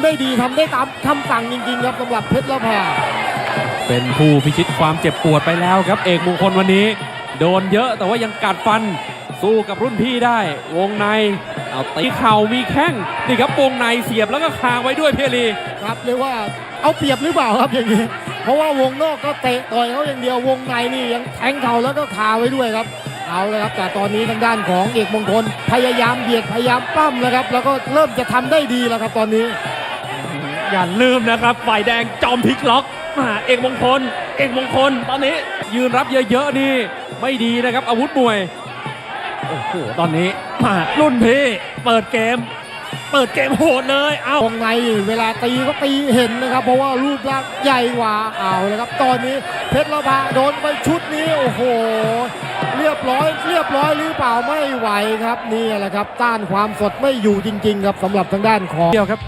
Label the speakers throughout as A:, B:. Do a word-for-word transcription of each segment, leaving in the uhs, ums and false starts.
A: ำได้ดีทำได้ตามคำสั่งจริงๆครับสำหรับเพชรละพา
B: เป็นผู้พิชิตความเจ็บปวดไปแล้วครับเอกมงคลวันนี้โดนเยอะแต่ว่ายังกัดฟันสู้กับรุ่นพี่ได้วงในเอาตีเข่ามีแข้งนี่ครับวงในเสียบแล้วก็คางไว้ด้วยเพียรี
A: ครับเรียกว่าเอาเปรียบหรือเปล่าครับอย่างนี้เพราะว่าวงนอกก็เตะต่อยเขาอย่างเดียววงในนี่ยังแทงเข่าแล้วก็คาไว้ด้วยครับเอาเลยครับแต่ตอนนี้ทางด้านของเอกมงคลพยายามเบียดพยายามปั้มแล้วครับแล้วก็เริ่มจะทำได้ดีแล้วครับตอนนี้
B: อย่าลืมนะครับฝ่ายแดงจอมพลิกล็อกมาเอกมงคลเอกมงคลตอนนี้ยืนรับเยอะๆนี่ไม่ดีนะครับอาวุธมวยโอ้โหตอนนี้มารุ่นพี่เปิดเกมเปิดเกมโหดเลยเอา
A: วงในเวลาตีก็ตีเห็นนะครับเพราะว่ารูปร่างใหญ่กว่าเอาเลยครับตอนนี้เพชรละพาโดนไปชุดนี้โอ้โหเรียบร้อยเรียบร้อยหรือเปล่าไม่ไหวครับนี่แหละครับต้านความสดไม่อยู่จริงๆครับสำหรับทางด้านของ
B: เดียวครับ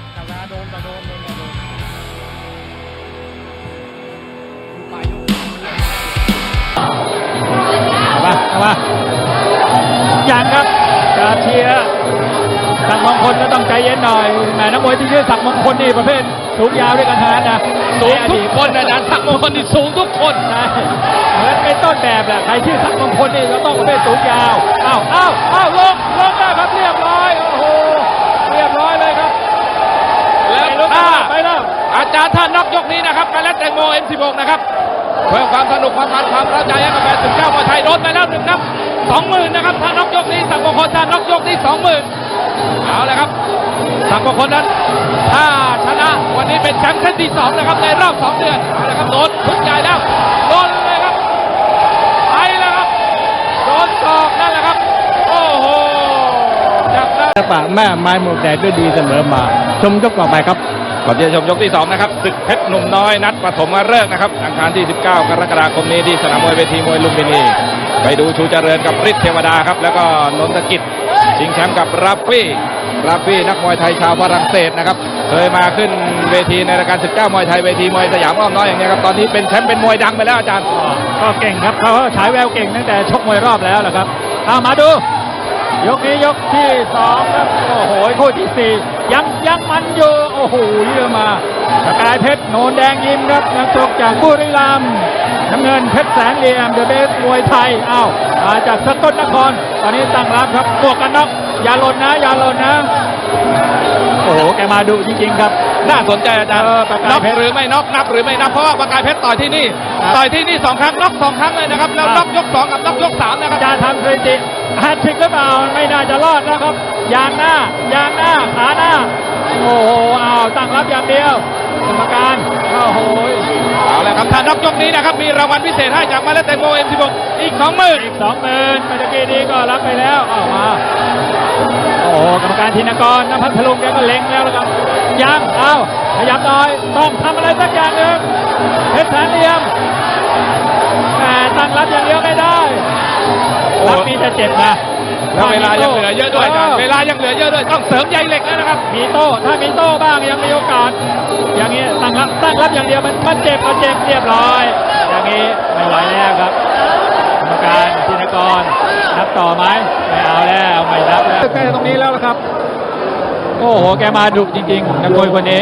C: มามาอย่างครับจะเชียร์ศักดิ์มงคลก็ต้องใจเย็นหน่อยแหมนักมวยที่ชื่อศักดิ์มงคลนี่ประเภทสูงยาวด้วยกันทั้งนั้นนะ
B: สูงทุกคนนะนะศักดิ์มงคลนี่สูงทุกคน
C: นะเหมือนเป็นต้นแบบแหละใครชื่อศักดิ์มงคลนี่ก็ต้องประเภทสูงยาวอ้าวอ้าวอ้าวลงลงได้ครับเรียบร้อยโอ้โหเรียบร้อยเลยครับ
B: แล้วถ้าไปแล้วอาจารย์ท่านน็อกยกนี้นะครับการเล่นแตงโม เอ็ม สิบหก นะครับเพิ่มความสนุกความมันความเข้าใจให้กับแฟนสิบเก้ามวยไทยโดนไปแล้วหนึ่งนับสองหมื่นนะครับถ้าน็อกยกนี้ศักดิ์มงคลถ้าน็อกยกนี้สองหมื่นเอาเลยครับศักดิ์มงคลนั้นถ้าชนะวันนี้เป็นแชมป์เส้นที่สองนะครับในรอบสองเดือนเอาเลยครับโดนทุกใหญ่แล้วโดนเลยครับไปแล้วครับโดนศอกนั่นแหละครับโอ้โหจับได้
C: ปะแม่ไม้หมวกแดงด้วยดีเสมอมาชมยกต่อไปครับ
B: ก่อนที่จะชมยกที่สองนะครับศึกเพชรหนุ่มน้อยนัดปฐมฤกษ์นะครับอังคารที่สิบเก้ากรกฎาคมนี้ที่สนามมวยเวทีมวยลุมพินีไปดูชูเจริญกับฤทธิ์เทวดาครับแล้วก็นนทกิจชิงแชมป์กับราฟฟี่ราฟฟี่นักมวยไทยชาวฝรั่งเศสนะครับเคยมาขึ้นเวทีในรายการสิบเก้ามวยไทยเวทีมวยสยามอ้อมน้อยอย่างนี้ครับตอนนี้เป็นแชมป์เป็นมวยดังไปแล้วอาจารย์
C: ก็เก่งครับเขาฉายแววเก่งตั้งแต่ชกมวยรอบแล้วแหละครับเอามาดูยกนี้ยกที่สองครับโอ้โหคู่ที่สี่ยังยังมันอยู่โอ้โหเยอะมาสกายเพชรโนนแดงยิมครับนักชกจากบุรีรัมย์น้ำเงินเพชรแสนเหลี่ยมเดอะเบสมวยไทยอ้าวมาจากสกลนครตอนนี้ตั้งรับครับบวกกันน็อกอย่าหล่นนะอย่าหล่นนะโอ้โหแกมาดูจริงๆครับ
B: น่าสนใจอาจารย์น็อกหรือไม่น็อกนับหรือไม่นับเพราะว่าประกายเพชรต่อยที่นี่ต่อยที่นี่สองครั้งน็อกสองครั้งเลยนะครับแล้วน็อกยกสองกับน็อกยกสามนะครับ
C: จะทำสถิติแฮตทริกหรือเปล่าไม่น่าจะรอดนะครับยางหน้ายางหน้าขาหน้าโอ้โหอ้าวตั้งรับอย่างเดียวกรรมการโอ้โห
B: เอาละครับถ้าน็อกยกนี้นะครับมีรางวัลพิเศษให้จากมาเลเตโม เอ็ม สิบหก อีกสองหมื่น
C: อีกสองหมื่นเมื่อกี้นี้ก็รับไปแล้วเอามาโอ้โหกรรมการธินกรนภัทรลุงแกก็เล็งแล้วนะครับยังเอาขยับหน่อยต้องทำอะไรสักอย่างหนึ่งเพชรแสนเหลี่ยมแต่ตั้งรับอย่างเดียวไม่ได้รับมีแต่เจ็บนะ
B: แล้วเวลายังเหลือเยอะด้วยอาจารย์เวลายังเหลือเยอะด้วยต้องเสริมใยเหล็กแล้วนะครับ
C: มีโต้ถ้ามีโต้บ้างยังมีโอกาสอย่างนี้ตั้งรับตั้งรับอย่างเดียวมันมันเจ็บมันเจ็บเรียบร้อยอย่างนี้ไม่ไหวแล้วครับกรรมการธินกรนับต่อไหมไม่เอาแล้วไม่นับแล้วใกล้ตรงนี้แล้วครับโอ้โหแกมาดุจริงๆนักมวยคนนี้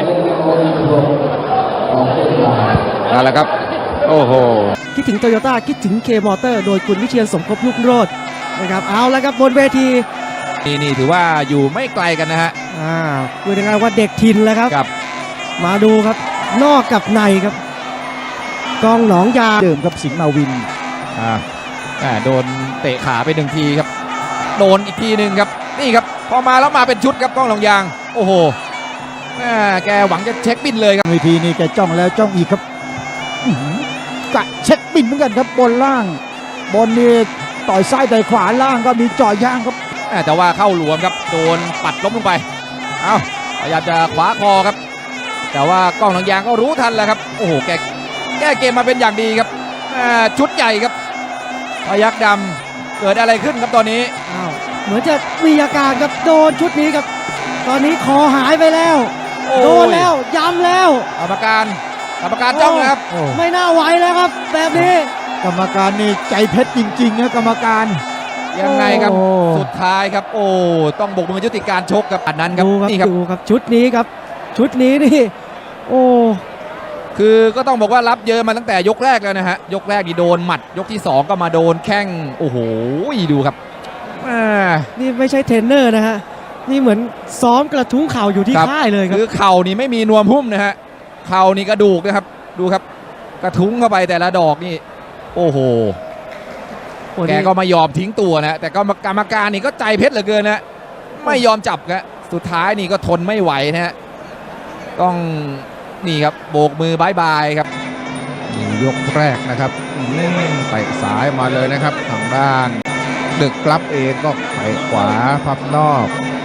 B: นั่นแหละครับโอ้โห
A: คิดถึงโตโยต้าคิดถึงเคมอเตอร์โดยคุณวิเชียรสมภพลูกโรจน์นะครับเอาแล้วครับบนเวที
B: นี่นี่ถือว่าอยู่ไม่ไกลกันนะฮะ
A: อ่าพูดง่ายๆว่าเด็กถิ่นแล้วครับ
B: ครับ
A: มาดูครับนอกกับในครับกองหนองยา
D: เดิมครับสิงห์มาวิน
B: อ่าโดนเตะขาไปหนึ่งทีครับโดนอีกทีหนึ่งครับนี่ครับพอมาแล้วมาเป็นชุดครับกล้องหนองยางโอ้โหแกหวังจะเช็คบินเลยครับ
D: เวทีนี้แกจ้องแล้วจ้องอีกครับกะเช็คบินเหมือนกันครับบนล่างบนนี่ต่อยซ้ายต่อยขวาล่างก็มีจ่อยางครับ
B: แต่ว่าเข้าหลวมครับโดนปัดล้มลงไปเอ้าพยายามจะขวาคอครับแต่ว่ากล้องหนองยางก็รู้ทันแล้วครับโอ้โหแกแก้เกมมาเป็นอย่างดีครับชุดใหญ่ครับพยัคฆ์ดำเกิดอะไรขึ้นครับตอนนี้
A: อ้าวเหมือนจะมีอาการครับโดนชุดนี้ครับตอนนี้คอหายไปแล้วโดนแล้วย้ำแล้ว
B: กรรมการกรรมการจ้องนะครับ
A: ไม่น่าไหวแล้วครับแบบนี้
D: กรรมการนี่ใจเพชรจริงๆนะกรรมการ
B: ยังไงครับสุดท้ายครับโอ้ต้องบกมือยุติการชกครับอันนั้นครับ
A: นี่ครับดูครับชุดนี้ครับ
E: ชุดนี้นี่โอ้
F: คือก็ต้องบอกว่ารับเยอะมาตั้งแต่ยกแรกแล้วนะฮะยกแรกนี่โดนหมัดยกที่สองก็มาโดนแข้งโอ้โหดูครับอ่า
E: นี่ไม่ใช่เทรนเนอร์นะฮะนี่เหมือนซ้อมกระทุ้งเข่าอยู่ที่
F: ครับ
E: ค่ายเลยครับ
F: คือเข่านี่ไม่มีนวมหุ้มนะฮะเข่านี่กระดูกนะครับดูครับกระทุ้งเข้าไปแต่ละดอกนี่โอ้โห
E: โอ้
F: แก
E: นี่
F: ก็ไม่ยอมทิ้งตัวนะแต่ก็กรรมการนี่ก็ใจเพชรเหลือเกินนะไม่ยอมจับครับสุดท้ายนี่ก็ทนไม่ไหวนะฮะต้องนี่ครับโบกมือบายบายครับ
G: ยกแรกนะครับอืมเตะสายมาเลยนะครับทางด้านดึกลับเองก็เตะขวาพับนอก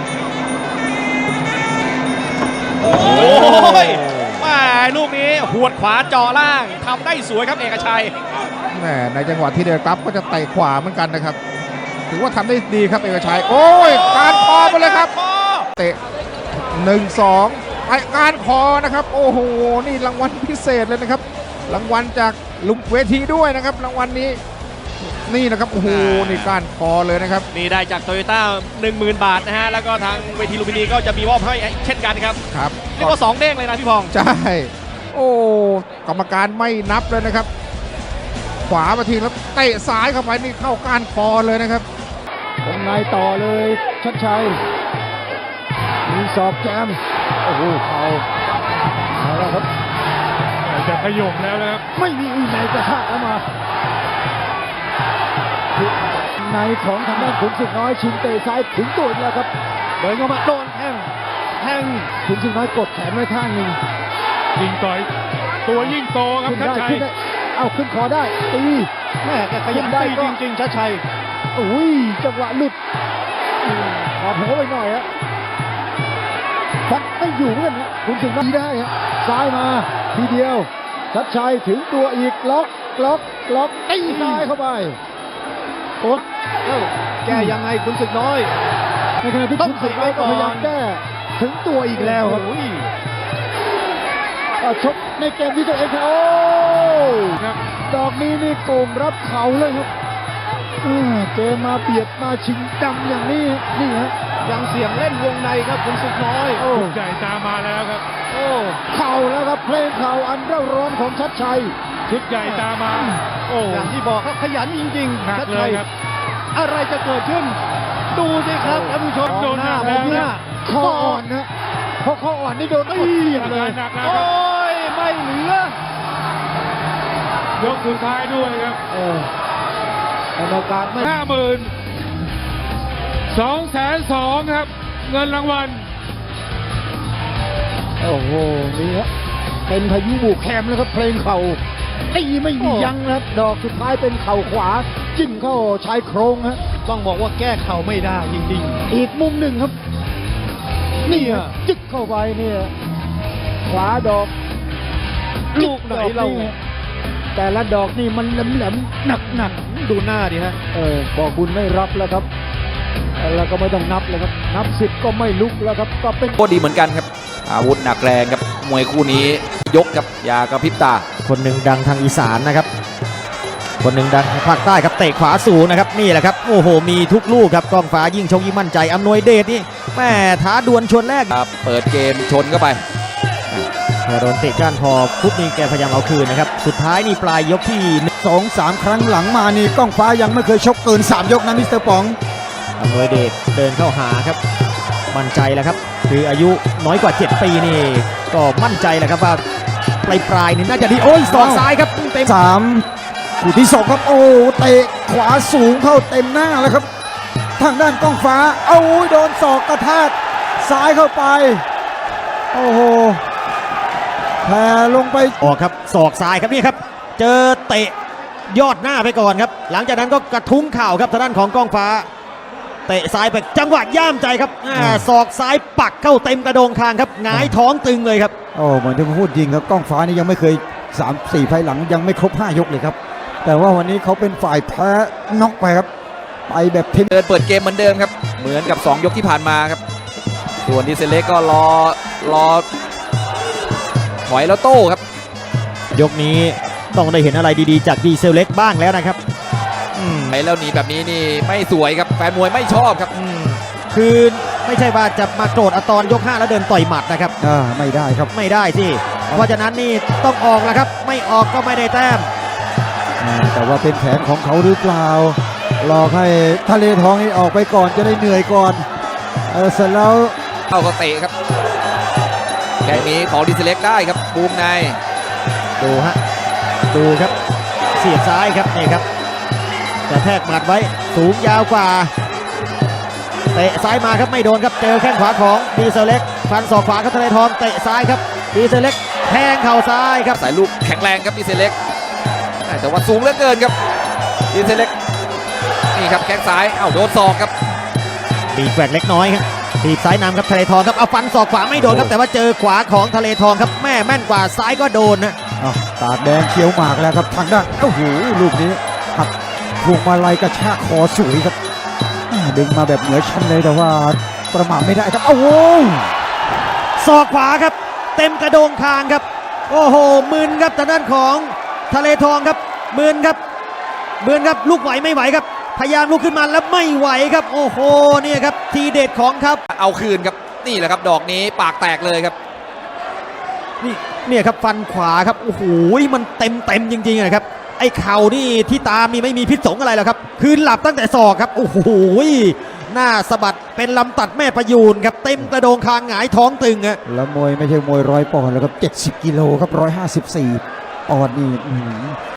H: โอ้ยแม่ลูกนี้หวดขวาเจาะล่างทำได้สวยครับเอกชัย
G: แหมในจังหวะที่เดินกลับก็จะเตะขวาเหมือนกันนะครับถือว่าทำได้ดีครับเอกชัยโอ้ยการคอไปเลยครับเตะหนึ่งสองไอการคอนะครับโอ้โหนี่รางวัลพิเศษเลยนะครับรางวัลจากลุงเวทีด้วยนะครับรางวัลนี้นี่นะครับโอ้โหนี่การคอเลยนะครับ
H: นี่ได้จากโตโยต้าหนึ่งหมื่นบาทนะฮะ แล้วก็ทางเวทีลุมพินีก็จะมีมอบให้เช่นกันครับ
G: ครับ
H: เรียกว่าสองเด้งเลยนะพี่พอง
G: ใช่ โอ้กรรมการไม่นับเลยนะครับ ขวามาทีแล้วเตะซ้ายเข้าไปนี่เข้าก้านคอเลยนะครับ
D: วงในต่อเลยชัดชัยมีสอบแจมโอ้โหเขาเอาแล้วครับ
C: จะขยมแล้วนะครับ
D: ไม่มีอีไหนกระชากเข้ามาในของทางด้านขุนศึกน้อยชิงเตะซ้ายถึงตัวนี่แหละครับเดินเข้ามาโดนแข้งแข้งขุนศึกน้อยกดแขนไว้ข้างหนึ่ง
C: ยิงต่อยตัวยิ่งโตครับ
D: ขึ้น
C: ชัด
D: ได้
C: ชัย
D: ขึ้นได้เอาขึ้นคอได้ตีแม่แกขยันได้จริงๆชัดชัยอุ้ยจังหวะหลุดอืมขอโผล่ไปหน่อยฮะฟัดไม่อยู่เหมือนกันนะขุนศึกน้อยได้ฮะซ้ายมาทีเดียวชัดชัยถึงตัวอีกล็อกล็อกล็อกตีซ้ายเข้าไปโอ๊ตแก้ยังไงขุนศึกน้อยในขณะที่ขุนศึกน้อยก็พยายามแก้ถึงตัวอีกแล้วครับอ่ะชกในเกมที่ตัวเองครับโอ้ดอกนี้นี่โกงรับเข่าเลยครับอ่าเกมมาเบียดมาชิงดำอย่างนี้นี่ฮะยังเสียงเล่นวงในครับขุนศึกน้อยโอ้
C: ใหญ่ตามมาแล้วครับ
D: โอ้เข่าแล้วครับเพลงเข่าอันเร่าร้อนของชัดชัย
C: ชุดใหญ่ตามมา โอ้
D: อย่างที่บอกครับขยันจริง
C: หนั
D: ๆ
C: ก
D: ชัด
C: เล
D: ชั
C: ย
D: ย
C: ครับ
D: อะไรจะเกิดขึ้น ดูสิครับท่านผู้ชม
C: โดนหน้า
D: แบบนี้
C: แล้วนะ
D: คออ่อนนะเพราะคออ่อนนี่โดนตีบเลย
C: หนักๆแล้ว
D: โอ้
C: ครับ
D: ยไม่เหลือย
C: กสุดท้ายด้วยครับ
D: เออเป็นโอกาสไม่
C: ห้าหมื่นสองแสนสองครับ เงินรางวัล
D: โอ้โหนี่ครับเป็นพายุบุกแคมแล้วครับเพลงเข่าตีไม่มียั้งนะครับดอกสุดท้ายเป็นเข่าขวาจิ้มเข้าชายโครงฮะต้องบอกว่าแก้เข่าไม่ได้จริงๆอีกมุมหนึ่งครับนี่อะจึกเข้าไปเนี่ยขวาดอก
H: ลูกไหนเรา
D: แต่ละดอกนี่มันแหลมๆหนักๆดูหน้าดิฮะเออบอกบุญไม่รับแล้วครับแล้วก็ไม่ต้องนับแล้วครับนับสิบก็ไม่ลุกแล้วครับก็เป็น
F: ก็ดีเหมือนกันครับอาวุธหนักแรงครับมวยคู่นี้ยกครับอยากระพริบตา
I: คนหนึ่งดังทางอีสานนะครับ คนหนึ่งดังทางภาคใต้ครับเตะขวาสูงนะครับนี่แหละครับโอ้โหมีทุกลูกครับกองฟ้ายิ่งชกยิ่งมั่นใจอำนวยเดชนี่แม่ท้าดวลชวนแรก
F: ครับเปิดเกมชนเข้าไป
I: พอโดนเตะก้านพอปุ๊บนี่แกพยายามเอาคืนนะครับสุดท้ายนี่ปลายยกที่
D: สองสามครั้งหลังมานี่ก้องฟ้ายังไม่เคยชกเกินสามยกนะมิสเตอร์ป๋อง
I: อำนวยเดชเดินเข้าหาครับมั่นใจแล้วครับคืออายุน้อยกว่าเจ็ดปีนี่ก็มั่นใจแหละครับว่าปลายปลายๆนี่น่าจะดีโอ้ยศอกซ้ายครับเต็ม
D: สามคู่ที่สองครับโอ้เตะขวาสูงเข้าเต็มหน้าแล้วครับ ทางด้านก้องฟ้าเอาโดนศอกกระแทกซ้ายเข้าไปโอ้โหแผ่ลงไป
I: ออกครับศอกซ้ายครับนี่ครับเจอเตะยอดหน้าไปก่อนครับหลังจากนั้นก็กระทุ้งเข่าครับทางด้านของก้องฟ้าเตะซ้ายไปจังหวะย่ามใจครับอ่าศอกซ้ายปักเข้าเต็มกระโดงคางครับหงายท้องตึงเลยครับ
D: โอ้เหมือนที่ผมพูดจริงครับก้องฟ้านี่ยังไม่เคยสามสี่ไฟล์หลังยังไม่ครบห้ายกเลยครับแต่ว่าวันนี้เขาเป็นฝ่ายแพ้น็อกไปครับไปแบบเทน
F: เดินเปิดเกมเหมือนเดิมครับเหมือนกับสองยกที่ผ่านมาครับส่วนดีเซลเล็กก็รอรอถอยแล้วโต้ครับ
I: ยกนี้ต้องได้เห็นอะไรดีๆจากดีเซลเล็กบ้างแล้วนะครับอืม
F: ไปแล้วหนีแบบนี้นี่ไม่สวยครับแฟนมวยไม่ชอบครับ
I: คือไม่ใช่ว่าจะมาโกรธเอาตอนยกห้าแล้วเดินต่อยหมัดนะครับ
D: อ่าไม่ได้ครับ
I: ไม่ได้สิเพราะฉะนั้นนี่ต้องออกแล้วครับไม่ออกก็ไม่ได้แต้ม
D: อ่าแต่ว่าเป็นแผนของเขาหรือเปล่าหลอกให้ทะเลทองนี่ออกไปก่อนจะได้เหนื่อยก่อนเออเสร็จแล้ว
F: เอาก็เตะครับแค่นี้ของดีเซเล็กได้ครับบูมใน
I: ดูฮะดูครับเสียบซ้ายครับนี่ครับกระแทกหมัดไว้สูงยาวกว่าเตะซ้ายมาครับไม่โดนครับเจอแข้งขวาของดีเซลเล็กฟันศอกขวาครับทะเลทองเตะซ้ายครับดีเซลเล็กแทงเข่าซ้ายครับ
F: สายลูกแข็งแรงครับดีเซเล็กแต่ว่าสูงเหลือเกินครับดีเซเล็กนี่ครับแข้งซ้ายเอ้าโดนศอกครับ
I: บีบแกว่งเล็กน้อยครับบีบซ้ายนำครับทะเลทองครับเอาฟันศอกขวาไม่โดนครับแต่ว่าเจอขวาของทะเลทองครับแม่แม่นกว่าซ้ายก็โดนนะ
D: อ้าวตากแดงเขียวหมากแล้วครับทางด้านโอ้โหลูกนี้หักพวงมาลัยกระชากคอสวยครับอ่าดึงมาแบบเหนือชั้นเลยแต่ว่าประมาทไม่ได้ครับโอ้โห
I: ศอกขวาครับเต็มกระโดงคางครับโอ้โหมึนครับทางด้านของทะเลทองครับมึนครับมึนครับลูกไหวไม่ไหวครับพยายามลุกขึ้นมาแล้วไม่ไหวครับโอ้โหเนี่ยครับทีเด็ดของครับ
F: เอาคืนครับนี่แหละครับดอกนี้ปากแตกเลยครับ
I: นี่เนี่ยครับฟันขวาครับโอ้โหมันเต็มเต็มจริงๆนะครับไอ้เข่านี่ที่ตามนี่ไม่มีพิษสงอะไรหรอกครับคือหลับตั้งแต่ศอกครับโอ้โหหน้าสะบัดเป็นลำตัดแม่ประยูนครับเต็มกระโดงคางหงายท้องตึงอะ
D: แล้วมวยไม่ใช่มวยร้อยปอนด์แล้วครับเจ็ดสิบกิโลครับร้อยห้าสิบสี่ปอนด์นี่อื้อหือ